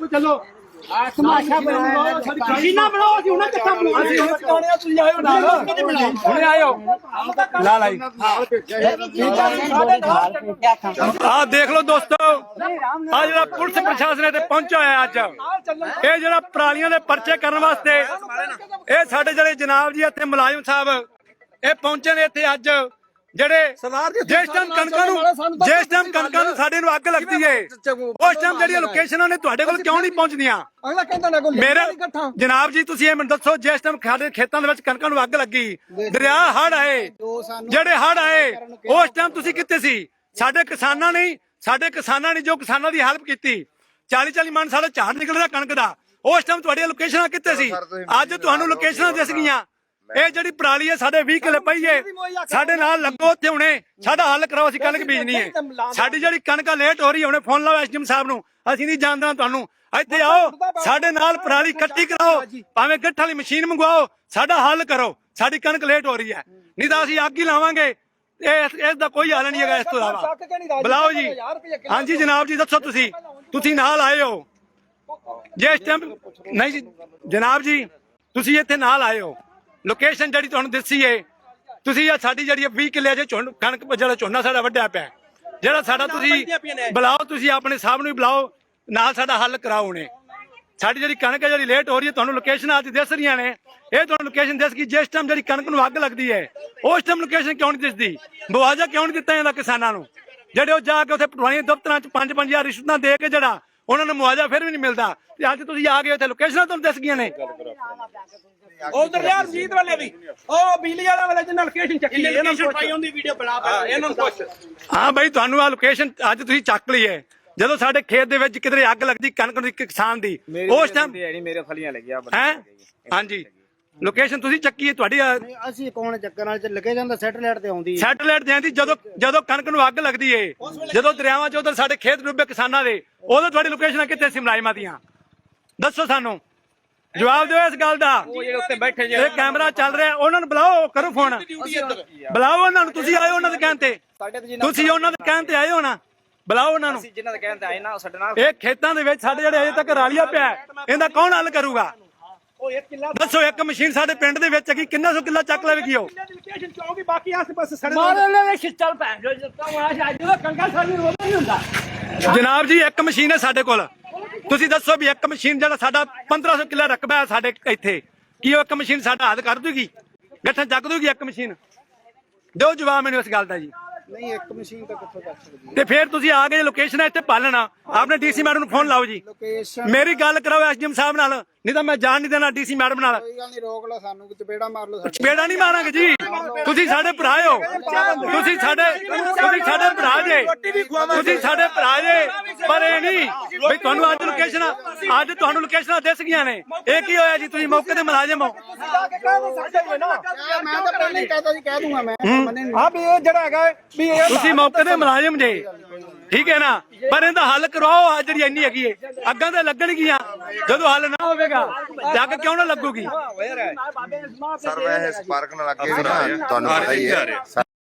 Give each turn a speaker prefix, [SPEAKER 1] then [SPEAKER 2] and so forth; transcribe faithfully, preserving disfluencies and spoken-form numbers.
[SPEAKER 1] चलो तमाशा बनाओ मशीना बनाओ ਅਸੀਂ ਉਹਨਾਂ ਕਿੱਥਾ ਬਣਾਉਣਾ ਅਸੀਂ ਹੁਣ ਚਕਾਣੇ ਤੁਸੀਂ ਆਇਓ ਨਾਲ ਹੁਣੇ ਆਇਓ ਲਾ ਲਾਈ ਆ ਦੇਖ ਲਓ ਦੋਸਤੋ ਆ ਜਿਹੜਾ ਪੁਲਿਸ ਪ੍ਰਸ਼ਾਸਨ ਇੱਥੇ ਪਹੁੰਚਿਆ ਹੋਇਆ ਅੱਜ ਇਹ ਜਿਹੜਾ ਪਰਾਲੀਆਂ ਦੇ ਪਰਚੇ ਕਰਨ ਵਾਸਤੇ ਇਹ ਸਾਡੇ ਜਿਹੜੇ ਜਨਾਬ ਜੀ ਇੱਥੇ ਮੁਲਾਜ਼ਮ ਸਾਹਿਬ ਇਹ ਪਹੁੰਚੇ ਨੇ ਇੱਥੇ ਅੱਜ ਜਿਹੜੇ ਜਿਸ ਟਾਈਮ ਕਣਕਾਂ ਨੂੰ ਜਿਸ ਟਾਈਮ ਕਣਕਾਂ ਨੂੰ ਸਾਡੇ ਨੂੰ ਅੱਗ ਲੱਗਦੀ ਹੈ ਉਸ ਟਾਈਮ ਜਿਹੜੀਆਂ ਲੋਕੇਸ਼ਨਾਂ ਨੇ ਤੁਹਾਡੇ ਕੋਲ ਕਿਉਂ ਨਹੀਂ ਪਹੁੰਚਦੀਆਂ ਮੇਰੇ ਜਨਾਬ ਜੀ ਤੁਸੀਂ ਇਹ ਮੈਨੂੰ ਦੱਸੋ ਜਿਸ ਟਾਈਮ ਸਾਡੇ ਖੇਤਾਂ ਦੇ ਵਿੱਚ ਕਣਕਾਂ ਨੂੰ ਅੱਗ ਲੱਗੀ ਦਰਿਆ ਹੜ੍ਹ ਆਏ ਜਿਹੜੇ ਹੜ੍ਹ ਆਏ ਉਸ ਟਾਈਮ ਤੁਸੀਂ ਕਿੱਥੇ ਸੀ ਸਾਡੇ ਕਿਸਾਨਾਂ ਨੇ ਸਾਡੇ ਕਿਸਾਨਾਂ ਨੇ ਜੋ ਕਿਸਾਨਾਂ ਦੀ ਹੈਲਪ ਕੀਤੀ ਚਾਲੀ ਚਾਲੀ ਮਣ ਸਾਡਾ ਝਾੜ ਨਿਕਲਦਾ ਕਣਕ ਦਾ ਉਸ ਟਾਈਮ ਤੁਹਾਡੀਆਂ ਲੋਕੇਸ਼ਨਾਂ ਕਿੱਥੇ ਸੀ ਅੱਜ ਤੁਹਾਨੂੰ ਲੋਕੇਸ਼ਨਾਂ ਦਿਸ ਗਈਆਂ ਇਹ ਜਿਹੜੀ ਪਰਾਲੀ ਹੈ ਸਾਡੇ ਵੀਹ ਕਿੱਲੇ ਪਈ ਹੈ ਸਾਡੇ ਨਾਲ ਲੱਗੋ ਉੱਥੇ ਹੁਣੇ ਸਾਡਾ ਹੱਲ ਕਰਾਓ ਅਸੀਂ ਕਣਕ ਬੀਜਣੀ ਹੈ ਸਾਡੀ ਜਿਹੜੀ ਕਣਕ ਲੇਟ ਹੋ ਰਹੀ ਹੈ ਹੁਣੇ ਫੋਨ ਲਾਓ ਐਸਡੀਐਮ ਸਾਹਿਬ ਨੂੰ ਅਸੀਂ ਨਹੀਂ ਜਾਣਦੇ ਤੁਹਾਨੂੰ ਇੱਥੇ ਆਓ ਸਾਡੇ ਨਾਲ ਪਰਾਲੀ ਕੱਟੀ ਕਰਾਓ ਭਾਵੇਂ ਗੱਠ ਵਾਲੀ ਮਸ਼ੀਨ ਮੰਗਵਾਓ ਸਾਡਾ ਹੱਲ ਕਰੋ ਸਾਡੀ ਕਣਕ ਲੇਟ ਹੋ ਰਹੀ ਹੈ ਨਹੀਂ ਤਾਂ ਅਸੀਂ ਅੱਗ ਹੀ ਲਾਵਾਂਗੇ ਇਹ ਇਸ ਦਾ ਕੋਈ ਹੱਲ ਨਹੀਂ ਹੈਗਾ ਇਸ ਤੋਂ ਇਲਾਵਾ ਬੁਲਾਓ ਜੀ ਹਾਂਜੀ ਜਨਾਬ ਜੀ ਦੱਸੋ ਤੁਸੀਂ ਤੁਸੀਂ ਨਾਲ ਆਏ ਹੋ ਜੇ ਇਸ ਟਾਈਮ ਨਹੀਂ ਜੀ ਜਨਾਬ ਜੀ ਤੁਸੀਂ ਇੱਥੇ ਨਾਲ ਆਏ ਹੋ ਲੋਕੇਸ਼ਨ ਜਿਹੜੀ ਤੁਹਾਨੂੰ ਦੱਸੀ ਹੈ ਤੁਸੀਂ ਸਾਡੀ ਜਿਹੜੀ ਵੀਹ ਕਿੱਲੇ ਜੇ ਕਣਕ ਜਿਹੜਾ ਝੋਨਾ ਸਾਡਾ ਵੱਢਿਆ ਪਿਆ ਜਿਹੜਾ ਸਾਡਾ ਤੁਸੀਂ ਬੁਲਾਓ ਤੁਸੀਂ ਆਪਣੇ ਸਾਹਿਬ ਨੂੰ ਬੁਲਾਓ ਨਾਲ ਸਾਡਾ ਹੱਲ ਕਰਾਓ ਉਹਨੇ ਸਾਡੀ ਜਿਹੜੀ ਕਣਕ ਹੈ ਜਿਹੜੀ ਲੇਟ ਹੋ ਰਹੀ ਹੈ ਤੁਹਾਨੂੰ ਲੋਕੇਸ਼ਨ ਅੱਜ ਦਿਸ ਰਹੀਆਂ ਨੇ ਇਹ ਤੁਹਾਨੂੰ ਲੋਕੇਸ਼ਨ ਦਿਸ ਗਈ ਜਿਸ ਟਾਈਮ ਜਿਹੜੀ ਕਣਕ ਨੂੰ ਅੱਗ ਲੱਗਦੀ ਹੈ ਉਸ ਟਾਈਮ ਲੋਕੇਸ਼ਨ ਕਿਉਂ ਨਹੀਂ ਦਿਸਦੀ ਮੁਆਵਜ਼ਾ ਕਿਉਂ ਨਹੀਂ ਦਿੱਤਾ ਜਾਂਦਾ ਕਿਸਾਨਾਂ ਨੂੰ ਜਿਹੜੇ ਉਹ ਜਾ ਕੇ ਉੱਥੇ ਪੁਰਾਣੀਆਂ ਦਫ਼ਤਰਾਂ ਚ ਪੰਜ ਪੰਜ ਹਜ਼ਾਰ ਰਿਸ਼ਵਤਾਂ ਦੇ ਕੇ ਜਿਹੜਾ ਉਹਨਾਂ ਨੂੰ ਮੁਆਵਜ਼ਾ ਫਿਰ ਵੀ ਨਹੀਂ ਮਿਲਦਾ ਤੇ ਅੱਜ ਤੁਸੀਂ ਆ ਗਏ ਉੱਥੇ ਲੋਕੇਸ਼ਨਾਂ ਤੁਹਾਨੂੰ ਦਿਸ ਗਈਆਂ ਨੇ
[SPEAKER 2] ਉਧਰ ਯਾਰ ਰਜੀਤ ਵਾਲੇ ਵੀ ਉਹ ਬਿਜਲੀ ਵਾਲਾ ਵਾਲੇ ਜਿਹਨਾਂ ਲੋਕੇਸ਼ਨ ਚੱਕੀ ਇਹਨਾਂ ਨੂੰ ਪਾਈ ਹੁੰਦੀ ਵੀਡੀਓ ਬਣਾ ਪਾ ਇਹਨਾਂ ਨੂੰ ਪੁੱਛ
[SPEAKER 1] ਹਾਂ ਬਈ ਤੁਹਾਨੂੰ ਆ ਲੋਕੇਸ਼ਨ ਅੱਜ ਤੁਸੀਂ ਚੱਕ ਲਈ ਹੈ ਜਦੋਂ ਸਾਡੇ ਖੇਤ ਦੇ ਵਿੱਚ ਕਿਧਰੇ ਅੱਗ ਲੱਗਦੀ ਕਣਕ ਨੂੰ ਕਿਸਾਨ ਦੀ ਉਸ ਟਾਈਮ
[SPEAKER 3] ਮੇਰੇ ਫਲੀਆਂ ਲੱਗਿਆ
[SPEAKER 1] ਹੈ ਹਾਂਜੀ ਲੋਕੇਸ਼ਨ ਤੁਸੀਂ ਚੱਕੀ ਹੈ ਤੁਹਾਡੀ
[SPEAKER 4] ਅਸੀਂ ਕੌਣ ਚੱਕਰ ਨਾਲ ਲੱਗੇ ਜਾਂਦਾ ਸੈਟੇਲਾਈਟ ਤੇ ਆਉਂਦੀ
[SPEAKER 1] ਸੈਟੇਲਾਈਟ ਜਾਂਦੀ ਜਦੋਂ ਜਦੋਂ ਕਣਕ ਨੂੰ ਅੱਗ ਲੱਗਦੀ ਏ ਜਦੋਂ ਦਰਿਆਵਾਂ ਚ ਉਧਰ ਸਾਡੇ ਖੇਤ ਡੁੱਬੇ ਕਿਸਾਨਾਂ ਦੇ ਉਦੋਂ ਤੁਹਾਡੀ ਲੋਕੇਸ਼ਨਾਂ ਕਿੱਥੇ ਸੀ ਮੁਲਾਜ਼ਮਾਂ ਦੀਆਂ ਦੱਸੋ ਸਾਨੂੰ ਜਵਾਬ ਦਿਓ ਇਸ ਗੱਲ ਦਾ
[SPEAKER 3] ਉੱਤੇ ਬੈਠੇ
[SPEAKER 1] ਇਹ ਕੈਮਰਾ ਚੱਲ ਰਿਹਾ ਉਹਨਾਂ ਨੂੰ ਬੁਲਾਓ ਕਰੋ ਫੋਨ ਬੁਲਾਓ ਉਹਨਾਂ ਨੂੰ ਤੁਸੀਂ ਆਏ ਉਹਨਾਂ ਦੇ ਕਹਿਣ ਤੇ ਤੁਸੀਂ ਉਹਨਾਂ ਦੇ ਕਹਿਣ ਤੇ ਆਏ ਹੋ ਨਾ ਬੁਲਾਓ ਉਹਨਾਂ ਨੂੰ
[SPEAKER 3] ਜਿਨ੍ਹਾਂ ਦੇ ਕਹਿਣ ਤੇ ਆਏ ਨਾ ਸਾਡੇ ਨਾਲ
[SPEAKER 1] ਇਹ ਖੇਤਾਂ ਦੇ ਵਿੱਚ ਸਾਡੇ ਜਿਹੜੇ ਅਜੇ ਤੱਕ ਰਾਲੀਆ ਪਿਆ ਇਹਦਾ ਕੌਣ ਹੱਲ ਕਰੂਗਾ ਦੱਸੋ ਇੱਕ ਮਸ਼ੀਨ ਸਾਡੇ ਪਿੰਡ ਦੇ ਵਿੱਚ ਹੈਗੀ ਕਿੰਨਾ ਸੌ ਕਿੱਲਾ ਚੱਕ ਲਵੇਗੀ ਉਹ
[SPEAKER 2] ਬਾਕੀ ਆਸੇ ਪਾਸੇ ਸੜੇ
[SPEAKER 1] ਮਾਰੇ ਲੈ ਛਿੱਤਲ ਪੈ ਜੋ ਕੰਗਾ ਸਾਡੀ ਰੋਦਾ ਨਹੀਂ ਹੁੰਦਾ ਜਨਾਬ ਜੀ ਇੱਕ ਮਸ਼ੀਨ ਹੈ ਸਾਡੇ ਕੋਲ ਤੁਸੀਂ ਦੱਸੋ ਵੀ ਇੱਕ ਮਸ਼ੀਨ ਜਿਹੜਾ ਸਾਡਾ ਪੰਦਰਾਂ ਸੌ ਕਿੱਲਾ ਰਕਬਾ ਹੈ ਸਾਡੇ ਇੱਥੇ ਕੀ ਉਹ ਇੱਕ ਮਸ਼ੀਨ ਸਾਡਾ ਹੱਲ ਕਰ ਦੂਗੀ ਗੱਠਾਂ ਚੱਕ ਦੂਗੀ ਇੱਕ ਮਸ਼ੀਨ ਦਿਓ ਜਵਾਬ ਮੈਨੂੰ ਇਸ ਗੱਲ ਦਾ ਜੀ
[SPEAKER 4] ਨਹੀਂ ਇੱਕ ਮਸ਼ੀਨ ਤਾਂ ਕਿੱਥੋਂ ਚੱਕ ਸਕਦੀ
[SPEAKER 1] ਤੇ ਫਿਰ ਤੁਸੀਂ ਆ ਗਏ ਲੋਕੇਸ਼ਨ ਇੱਥੇ ਪਾਲਣਾ ਆਪਣੇ ਡੀਸੀ ਮੈਡਮ ਨੂੰ ਫੋਨ ਲਾਓ ਜੀ
[SPEAKER 4] ਲੋਕੇਸ਼ਨ
[SPEAKER 1] ਮੇਰੀ ਗੱਲ ਕਰਾਓ ਐਸਡੀਐਮ ਸਾਹਿਬ ਨਾਲ ਨਹੀਂ ਤਾਂ ਮੈਂ ਜਾਣ ਨਹੀਂ ਦੇਣਾ ਡੀਸੀ ਮੈਡਮ ਨਾਲ
[SPEAKER 4] ਕੋਈ ਗੱਲ ਨਹੀਂ ਰੋਕ ਲਓ ਸਾਨੂੰ ਚਪੇੜਾ ਮਾਰ ਲਓ
[SPEAKER 1] ਚਪੇੜਾ ਨਹੀਂ ਮਾਰਾਂਗੇ ਜੀ ਤੁਸੀਂ ਸਾਡੇ ਭਰਾ ਹੋ ਤੁਸੀਂ ਸਾਡੇ ਤੁਸੀਂ ਸਾਡੇ ਭਰਾ ਜੇ ਤੁਸੀਂ ਸਾਡੇ ਭਰਾ ਜੇ ਪਰ ਇਹ ਨਹੀਂ ਵੀ ਤੁਹਾਨੂੰ ਅੱਜ ਲੋਕੇਸ਼ਨ ਅੱਜ ਤੁਹਾਨੂੰ ਲੋਕੇਸ਼ਨਾਂ ਦਿਸ ਗਈਆਂ ਨੇ ਇਹ ਕੀ ਹੋਇਆ ਜੀ ਤੁਸੀਂ ਮੌਕੇ ਤੇ ਮੁਲਾਜ਼ਮ ਹੋ
[SPEAKER 4] ਮੈਂ ਤਾਂ ਪਹਿਲਾਂ ਹੀ ਕਹਤਾ ਜੀ ਕਹਿ ਦੂੰਗਾ ਮੈਂ
[SPEAKER 2] ਹਾਂ ਵੀ ਇਹ ਜਿਹੜਾ ਹੈਗਾ ਵੀ ਇਹ
[SPEAKER 1] ਤੁਸੀਂ ਮੌਕੇ ਤੇ ਮੁਲਾਜ਼ਮ ਜੇ ਠੀਕ ਹੈ ਨਾ ਪਰ ਇਹਦਾ ਹੱਲ ਕਰਵਾਓ ਆ ਜਿਹੜੀ ਇੰਨੀ ਹੈਗੀ ਏ ਅੱਗਾਂ ਤੇ ਲੱਗਣਗੀਆਂ ਜਦੋਂ ਹੱਲ ਨਾ ਹੋਵੇਗਾ ਜੱਗ ਕਿਉਂ ਨਾ ਲੱਗੂਗੀ
[SPEAKER 5] ਸਰ ਵੈਸੇ ਸਪਾਰਕ ਨਾਲ ਲੱਗੇ ਨਾ ਤੁਹਾਨੂੰ ਪਤਾ ਹੀ ਹੈ